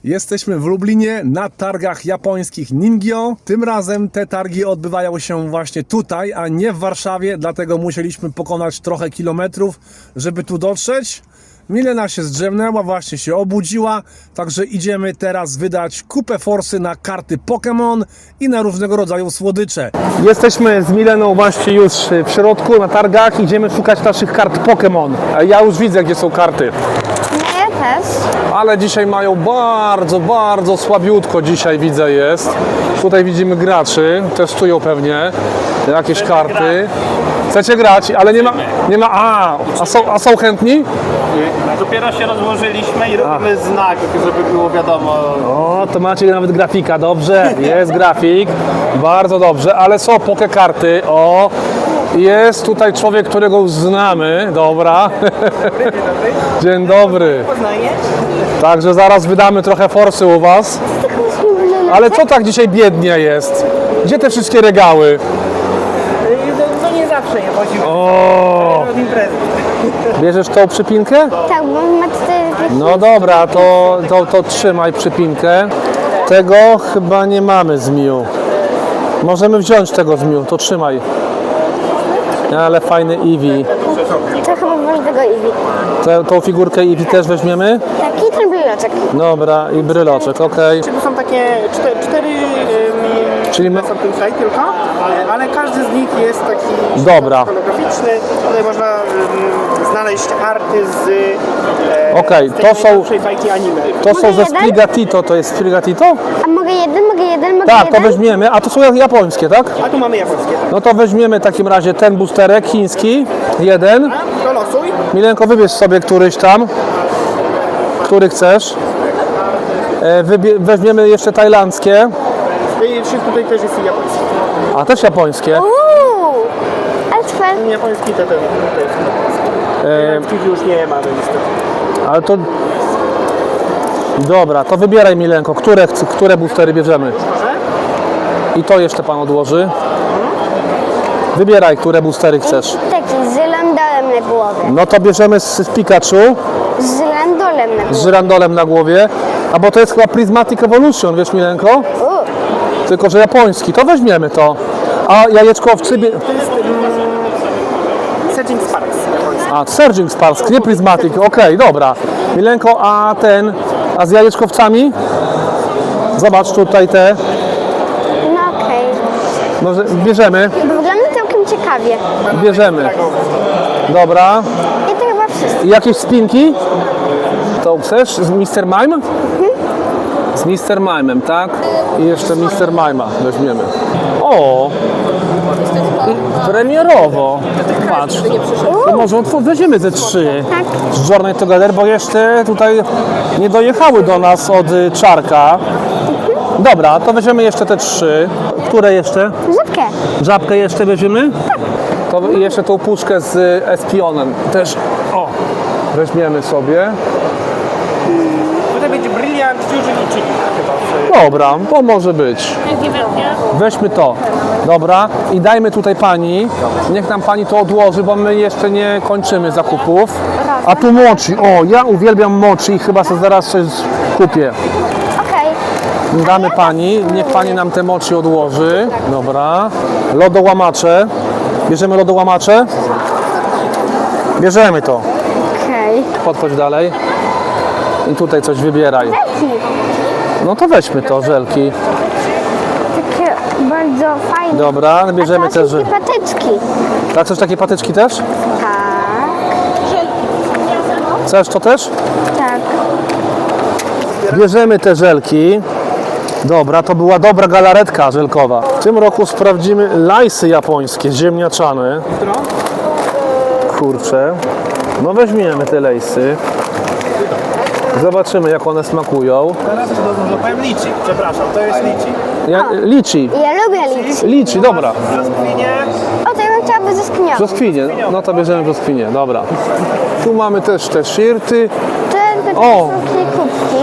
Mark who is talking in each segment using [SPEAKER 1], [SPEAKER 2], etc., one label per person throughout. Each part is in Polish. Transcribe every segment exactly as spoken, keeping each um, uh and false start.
[SPEAKER 1] Jesteśmy w Lublinie na targach japońskich Ningyo. Tym razem te targi odbywają się właśnie tutaj, a nie w Warszawie, dlatego musieliśmy pokonać trochę kilometrów, żeby tu dotrzeć. Milena się zdrzemnęła, właśnie się obudziła, także idziemy teraz wydać kupę forsy na karty Pokémon i na różnego rodzaju słodycze. Jesteśmy z Mileną właśnie już w środku na targach, idziemy szukać naszych kart Pokémon. Ja już widzę, gdzie są karty.
[SPEAKER 2] Ja też.
[SPEAKER 1] Ale dzisiaj mają bardzo, bardzo słabiutko dzisiaj widzę jest. Tutaj widzimy graczy, testują pewnie jakieś karty. Chcecie grać, ale nie ma, nie ma, a, a są, a są chętni?
[SPEAKER 3] Dopiero się rozłożyliśmy i robimy znak, żeby było wiadomo.
[SPEAKER 1] O, to macie nawet grafika, dobrze, jest grafik, bardzo dobrze, ale są poke karty, o, jest tutaj człowiek, którego już znamy, dobra. Dzień dobry. Także zaraz wydamy trochę forsy u was. Ale co tak dzisiaj biednie jest? Gdzie te wszystkie regały?
[SPEAKER 3] No nie zawsze je chodzi
[SPEAKER 1] O,
[SPEAKER 3] w imprezy.
[SPEAKER 1] bierzesz tą przypinkę?
[SPEAKER 2] Tak, bo ma cztery.
[SPEAKER 1] No dobra, to, to, to trzymaj przypinkę. Tego chyba nie mamy z Miu. Możemy wziąć tego z Miu, to trzymaj. Ale fajny Eevee.
[SPEAKER 2] To chyba masz tego Eevee.
[SPEAKER 1] Tę, tą figurkę Eevee też weźmiemy?
[SPEAKER 2] Tak, i ten bryloczek.
[SPEAKER 1] Dobra, i bryloczek, okej.
[SPEAKER 3] To są takie cztery, cztery
[SPEAKER 1] Czyli my...
[SPEAKER 3] są tutaj tylko, ale każdy z nich jest taki
[SPEAKER 1] Dobra.
[SPEAKER 3] holograficzny. Tutaj można um, znaleźć arty z, e,
[SPEAKER 1] Okej,
[SPEAKER 3] z tej
[SPEAKER 1] to są-
[SPEAKER 3] najnowszej bajki anime.
[SPEAKER 1] To są
[SPEAKER 2] Mogę
[SPEAKER 1] ze
[SPEAKER 2] jeden?
[SPEAKER 1] Sprigatito, to jest Sprigatito?
[SPEAKER 2] A mogę jeden, mogę jeden, mogę
[SPEAKER 1] Tak, to
[SPEAKER 2] jeden?
[SPEAKER 1] weźmiemy, a to są japońskie, tak?
[SPEAKER 3] A tu mamy japońskie.
[SPEAKER 1] No to weźmiemy w takim razie ten boosterek chiński, jeden.
[SPEAKER 3] To losuj.
[SPEAKER 1] Milenko, wybierz sobie któryś tam, który chcesz. E, wybie- weźmiemy jeszcze tajlandzkie,
[SPEAKER 3] I tutaj też jest japoński.
[SPEAKER 1] a też japońskie.
[SPEAKER 2] Uuu, ale twardy.
[SPEAKER 3] Japoński to ten. Japońskich już nie mamy niestety.
[SPEAKER 1] Ale to... Dobra, to wybieraj Milenko, które, chce- które boostery bierzemy. I to jeszcze pan odłoży. Wybieraj, które boostery chcesz.
[SPEAKER 2] Taki z landolem na głowie.
[SPEAKER 1] No to bierzemy z, z Pikachu,
[SPEAKER 2] Z landolem na
[SPEAKER 1] z
[SPEAKER 2] głowie.
[SPEAKER 1] żyrandolem na głowie. A bo to jest chyba Prismatic Evolution, wiesz Milenko?
[SPEAKER 2] Uuu,
[SPEAKER 1] Tylko, że japoński, to weźmiemy to. A jajeczkowcy... bie-
[SPEAKER 3] To jest um, Searching Sparks japoński.
[SPEAKER 1] A, Surging Sparks, nie Prismatic, okej, dobra. Milenko, a ten, a z jajeczkowcami? Zobacz tutaj te,
[SPEAKER 2] no okej.
[SPEAKER 1] może bierzemy,
[SPEAKER 2] Bo wygląda całkiem ciekawie.
[SPEAKER 1] bierzemy. Dobra.
[SPEAKER 2] I to chyba wszystko.
[SPEAKER 1] I jakieś spinki? To chcesz z mister Mime? Z mister Mime'em, tak? I jeszcze mister Mime'a weźmiemy. O! I premierowo. Patrz. To może otw- weźmiemy ze trzy.
[SPEAKER 2] Tak.
[SPEAKER 1] Z Journey Together, bo jeszcze tutaj nie dojechały do nas od y, Czarka. Dobra, to weźmiemy jeszcze te trzy. Które jeszcze?
[SPEAKER 2] Żabkę.
[SPEAKER 1] Żabkę jeszcze weźmiemy? To i jeszcze tą puszkę z y, Espionem. Też, o, weźmiemy sobie.
[SPEAKER 3] Tutaj będzie Brilliant Fusion i Chili chyba.
[SPEAKER 1] Dobra, to może być. Weźmy to. Dobra, i dajmy tutaj pani. Niech nam pani to odłoży, bo my jeszcze nie kończymy zakupów. A tu mochi. O, ja uwielbiam mochi i chyba sobie zaraz coś kupię.
[SPEAKER 2] Okej.
[SPEAKER 1] Damy pani, niech pani nam te mochi odłoży. Dobra. Lodołamacze. Bierzemy lodołamacze? Bierzemy to.
[SPEAKER 2] Okej.
[SPEAKER 1] Podchodź dalej. I tutaj coś wybieraj. No to weźmy to, żelki.
[SPEAKER 2] Takie bardzo fajne.
[SPEAKER 1] Dobra, bierzemy
[SPEAKER 2] A
[SPEAKER 1] te
[SPEAKER 2] to
[SPEAKER 1] żelki.
[SPEAKER 2] takie patyczki.
[SPEAKER 1] A chcesz takie patyczki też?
[SPEAKER 2] Tak.
[SPEAKER 1] Chcesz to też?
[SPEAKER 2] Tak.
[SPEAKER 1] Bierzemy te żelki. Dobra, to była dobra galaretka żelkowa. W tym roku sprawdzimy lajsy japońskie, ziemniaczane. Kurczę. No weźmiemy te lejsy. Zobaczymy, jak one smakują.
[SPEAKER 3] Teraz to powiem liczy, przepraszam, to jest liczy.
[SPEAKER 1] Ja, liczy.
[SPEAKER 2] Ja lubię liczyć.
[SPEAKER 1] Liczy, dobra.
[SPEAKER 3] Brzoskwinie,
[SPEAKER 2] O, to ja bym chciała ze sknią.
[SPEAKER 1] Brzoskwinie, no to bierzemy brzoskwinie, dobra. Tu mamy też te shirty.
[SPEAKER 2] Te, te
[SPEAKER 1] O!
[SPEAKER 2] są takie kubki.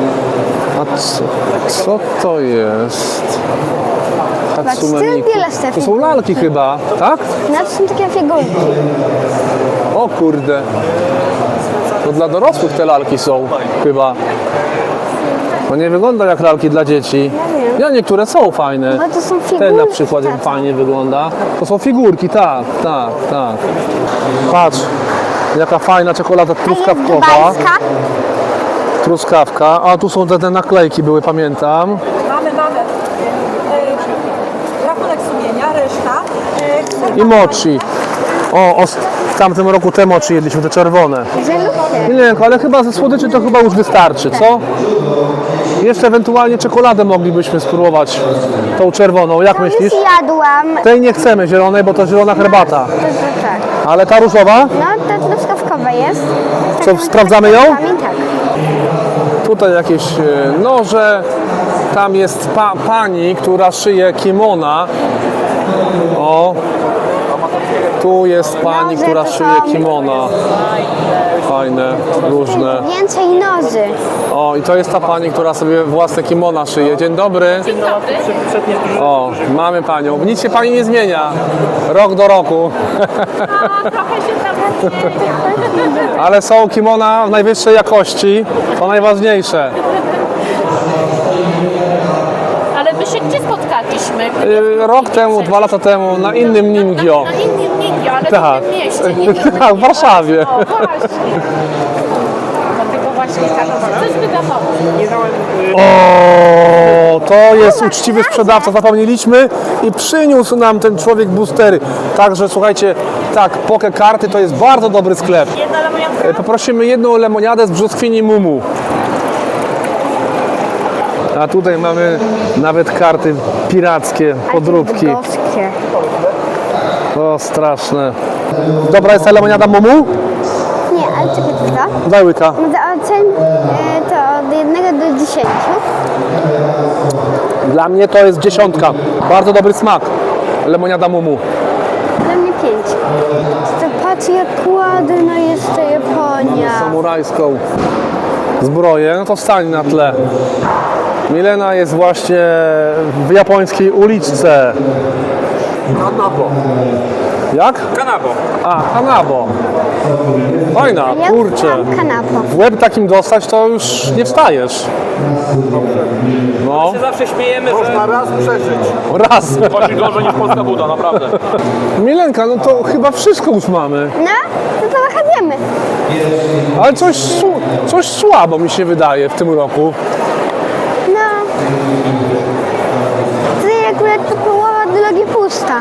[SPEAKER 1] A co, co to jest? Hatsume
[SPEAKER 2] Patrz,
[SPEAKER 1] Miku.
[SPEAKER 2] tyle z tych
[SPEAKER 1] To są lalki chyba, tak?
[SPEAKER 2] No to są takie figurki.
[SPEAKER 1] O kurde. To dla dorosłych te lalki są chyba. To nie wygląda jak lalki dla dzieci.
[SPEAKER 2] Ja wiem.
[SPEAKER 1] Ja niektóre są fajne.
[SPEAKER 2] Bo to są figurki.
[SPEAKER 1] Ten na przykład jak
[SPEAKER 2] tato.
[SPEAKER 1] fajnie wygląda. To są figurki, tak, tak, tak. Patrz, jaka fajna czekolada
[SPEAKER 2] A jest
[SPEAKER 1] truskawkowa.
[SPEAKER 2] dubajska?
[SPEAKER 1] Truskawka. A tu są te, te naklejki były, pamiętam.
[SPEAKER 4] Mamy, mamy. E, rachunek sumienia, reszta. E,
[SPEAKER 1] I mochi. O, o, w tamtym roku te mochi jedliśmy, te czerwone.
[SPEAKER 2] Żelówkę.
[SPEAKER 1] Nie, ale chyba ze słodyczy to chyba już wystarczy, co? Jeszcze ewentualnie czekoladę moglibyśmy spróbować, tą czerwoną. Jak myślisz?
[SPEAKER 2] Już jadłam.
[SPEAKER 1] Tej nie chcemy zielonej, bo to zielona herbata.
[SPEAKER 2] To, to tak.
[SPEAKER 1] Ale ta różowa?
[SPEAKER 2] No, ta truskawkowa jest.
[SPEAKER 1] Co,
[SPEAKER 2] Tak,
[SPEAKER 1] sprawdzamy ją?
[SPEAKER 2] tak.
[SPEAKER 1] Tutaj jakieś e, noże. Tam jest pa, pani, która szyje kimona. O. Tu jest pani,
[SPEAKER 2] Noże
[SPEAKER 1] która
[SPEAKER 2] to
[SPEAKER 1] szyje
[SPEAKER 2] są-
[SPEAKER 1] kimona. Fajne, różne.
[SPEAKER 2] Więcej noży.
[SPEAKER 1] O, i to jest ta pani, która sobie własne kimona szyje. Dzień dobry. O, mamy panią. Nic się pani nie zmienia. Rok do roku. Ale są kimona w najwyższej jakości. To najważniejsze.
[SPEAKER 5] Ale my się gdzie spotkaliśmy?
[SPEAKER 1] Yy, Rok temu, dwa lata temu na innym Ningio.
[SPEAKER 5] Na innym Ningio, ale
[SPEAKER 1] Tak.
[SPEAKER 5] w innym mieście. Nie wiem.
[SPEAKER 1] Tak, w Warszawie.
[SPEAKER 5] O, właśnie. Dlatego właśnie każą coś wydawało.
[SPEAKER 1] O, to jest uczciwy sprzedawca, zapomnieliśmy i przyniósł nam ten człowiek boostery. Także słuchajcie, tak, Poke Karty to jest bardzo dobry sklep. E, Poprosimy jedną lemoniadę z brzoskwini Mumu. A tutaj mamy nawet karty pirackie, podróbki.
[SPEAKER 2] Boskie.
[SPEAKER 1] O, straszne. Dobra jest ta lemoniada Mumu?
[SPEAKER 2] Nie, ale czekaj, co?
[SPEAKER 1] Daj łyka.
[SPEAKER 2] Za ocen e, to od jednego do dziesięciu.
[SPEAKER 1] Dla mnie to jest dziesiątka. Bardzo dobry smak. Lemoniada Mumu.
[SPEAKER 2] Dla mnie pięć. To patrz jak ładna jest ta Japonia.
[SPEAKER 1] Samurajską zbroję, no to stań na tle. Milena jest właśnie w japońskiej uliczce.
[SPEAKER 3] Kanabo.
[SPEAKER 1] Jak?
[SPEAKER 3] Kanabo.
[SPEAKER 1] A, Hanabo. Fajna,
[SPEAKER 2] Ja
[SPEAKER 1] kurczę.
[SPEAKER 2] mam kanapo.
[SPEAKER 1] W łeb takim dostać to już nie wstajesz. No,
[SPEAKER 6] Zawsze śmiejemy, że
[SPEAKER 3] Można raz przeżyć.
[SPEAKER 1] raz.
[SPEAKER 6] chodzi gorzej niż polska buda, naprawdę.
[SPEAKER 1] Milenka, no to chyba wszystko już mamy.
[SPEAKER 2] No, to to wychodzimy.
[SPEAKER 1] Ale coś, su- coś słabo mi się wydaje w tym roku.
[SPEAKER 2] No. Tutaj akurat to połowa drogi pusta.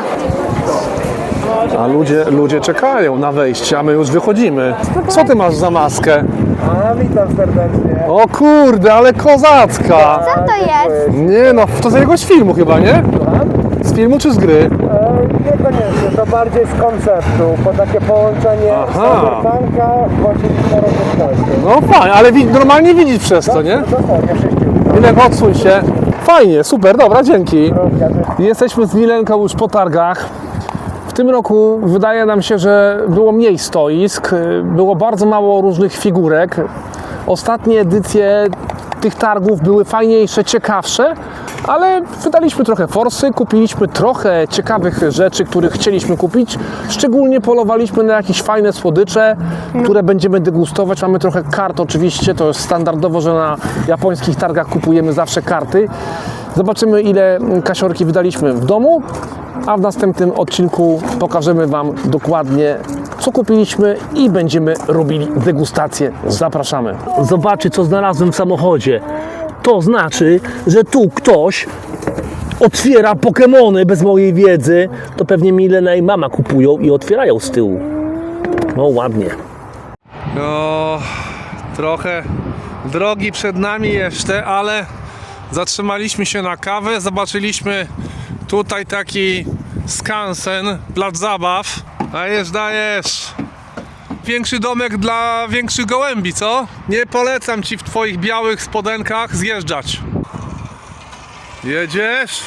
[SPEAKER 1] A ludzie, ludzie czekają na wejście, a my już wychodzimy. Co ty masz za maskę?
[SPEAKER 3] A, witam serdecznie.
[SPEAKER 1] O kurde, ale kozacka!
[SPEAKER 2] Co to jest?
[SPEAKER 1] Nie no, to z jakiegoś filmu chyba, nie? Z filmu czy z gry?
[SPEAKER 3] Niekoniecznie, to bardziej z konceptu, bo takie połączenie
[SPEAKER 1] Aha.
[SPEAKER 3] cyberpunka w oczywistej rozrywkości.
[SPEAKER 1] No fajnie, ale wi- normalnie widzisz przez to, nie?
[SPEAKER 3] Dosłownie, wszyscy.
[SPEAKER 1] Milenko, odsuń się. Fajnie, super, dobra, dzięki. Jesteśmy z Milenką już po targach. W tym roku wydaje nam się, że było mniej stoisk, było bardzo mało różnych figurek. Ostatnie edycje tych targów były fajniejsze, ciekawsze, ale wydaliśmy trochę forsy, kupiliśmy trochę ciekawych rzeczy, których chcieliśmy kupić. Szczególnie polowaliśmy na jakieś fajne słodycze, które będziemy degustować. Mamy trochę kart oczywiście, to jest standardowo, że na japońskich targach kupujemy zawsze karty. Zobaczymy, ile kasiorki wydaliśmy w domu, a w następnym odcinku pokażemy Wam dokładnie, co kupiliśmy i będziemy robili degustację. Zapraszamy.
[SPEAKER 7] Zobaczcie, co znalazłem w samochodzie. To znaczy, że tu ktoś otwiera Pokemony bez mojej wiedzy. To pewnie Milena i mama kupują i otwierają z tyłu. No ładnie.
[SPEAKER 1] No, trochę drogi przed nami jeszcze, ale zatrzymaliśmy się na kawę, zobaczyliśmy tutaj taki skansen, plac zabaw. Dajesz, dajesz. Większy domek dla większych gołębi, co? Nie polecam Ci w Twoich białych spodenkach zjeżdżać. Jedziesz?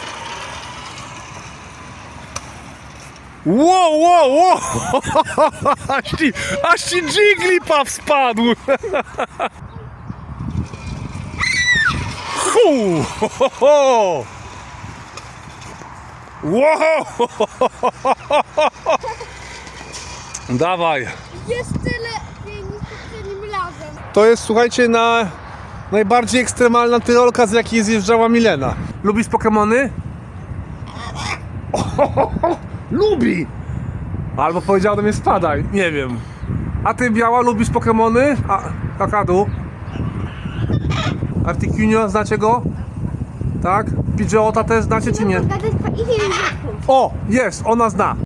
[SPEAKER 1] Wow, wow, wow! Aż ci, aż ci Jigglypuff spadł! Hu, ho, ho, ho. Wow! Dawaj!
[SPEAKER 2] Jest tyle niż poprzednim razem.
[SPEAKER 1] To jest, słuchajcie, na Najbardziej ekstremalna tyrolka, z jakiej zjeżdżała Milena. Lubisz Pokemony? Lubi! Albo powiedział do mnie spadaj, nie wiem. A ty, Biała, lubisz Pokemony? A, Kakadu? Articuno, znacie go? Tak? Pidgeota też znacie czy nie? O, jest, ona zna.